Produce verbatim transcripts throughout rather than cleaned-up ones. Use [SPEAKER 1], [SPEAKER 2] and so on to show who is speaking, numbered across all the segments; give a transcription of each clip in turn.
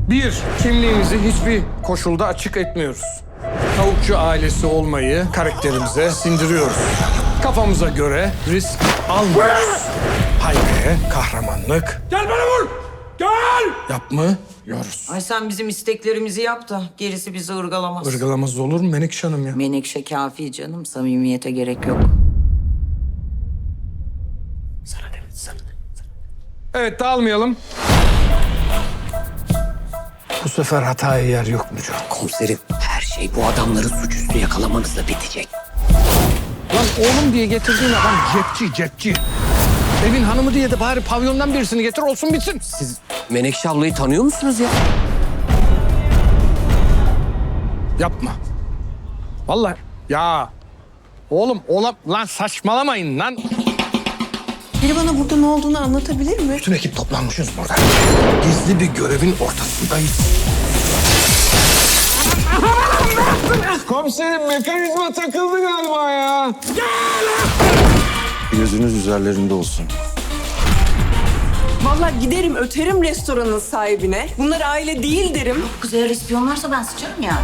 [SPEAKER 1] Bir, kimliğimizi hiçbir koşulda açık etmiyoruz. Tavukçu ailesi olmayı karakterimize sindiriyoruz. Kafamıza göre risk almıyoruz. Haybe, kahramanlık. Gel bana vur! Gel! Yapmıyoruz.
[SPEAKER 2] Ay sen bizim isteklerimizi yap da gerisi bizi ırgalamaz.
[SPEAKER 1] Irgalamaz olur mu Menekşe Hanım ya?
[SPEAKER 2] Menekşe kafi canım, samimiyete gerek yok. Sana demet, sana demet.
[SPEAKER 1] Evet, dağılmayalım. Bu sefer hataya yer yok mu Can?
[SPEAKER 3] Komiserim, her şey bu adamları suçüstü yakalamanızla bitecek.
[SPEAKER 1] Lan oğlum diye getirdiğin adam cepçi, cepçi. Evin hanımı diye de bari pavyondan birisini getir olsun bitsin.
[SPEAKER 3] Siz Menekşe ablayı tanıyor musunuz ya?
[SPEAKER 1] Yapma. Vallahi ya. Oğlum olam lan saçmalamayın lan.
[SPEAKER 4] Biri bana burada ne olduğunu anlatabilir mi?
[SPEAKER 1] Bütün ekip toplanmışız burada. Gizli bir görevin ortasındayız. Komiserim mekanizma takıldı galiba ya.
[SPEAKER 5] Gözünüz üzerlerinde olsun.
[SPEAKER 4] Vallahi giderim öterim restoranın sahibine. Bunlar aile değil derim.
[SPEAKER 2] Kız eğer ispiyonlarsa ben sıçarım yani.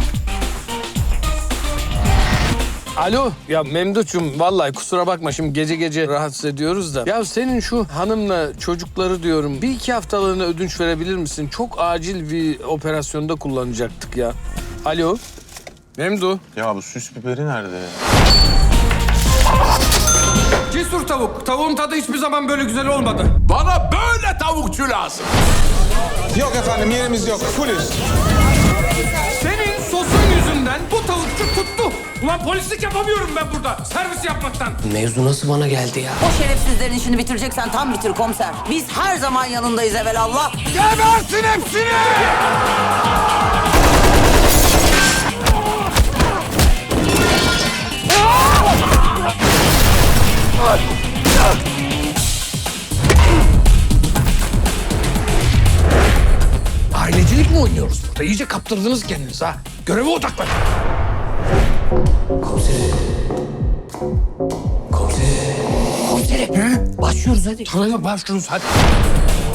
[SPEAKER 1] Alo ya Memduh'cum vallahi kusura bakma şimdi gece gece rahatsız ediyoruz da. Ya senin şu hanımla çocukları diyorum bir iki haftalığına ödünç verebilir misin? Çok acil bir operasyonda kullanacaktık ya. Alo Memduh.
[SPEAKER 5] Ya bu süs biberi nerede ya?
[SPEAKER 1] Cesur tavuk. Tavuğun tadı hiçbir zaman böyle güzel olmadı.
[SPEAKER 6] Bana böyle tavukçu lazım.
[SPEAKER 7] Yok efendim yerimiz yok. Fullüz.
[SPEAKER 1] Senin sosun yüzünden bu tavukçu tuttu. Ulan polislik yapamıyorum ben burada servis yapmaktan.
[SPEAKER 3] Mevzu nasıl bana geldi ya?
[SPEAKER 2] O şerefsizlerin işini bitireceksen tam bitir komiser. Biz her zaman yanındayız evelallah.
[SPEAKER 1] Gebersin hepsini! Ailecilik mi oynuyoruz burada? İyice kaptırdınız kendinizi ha. Göreve odaklanın.
[SPEAKER 3] Komiserim. Komiserim. Komiserim.
[SPEAKER 1] He?
[SPEAKER 3] Başlıyoruz hadi.
[SPEAKER 1] Tamam başlıyoruz hadi.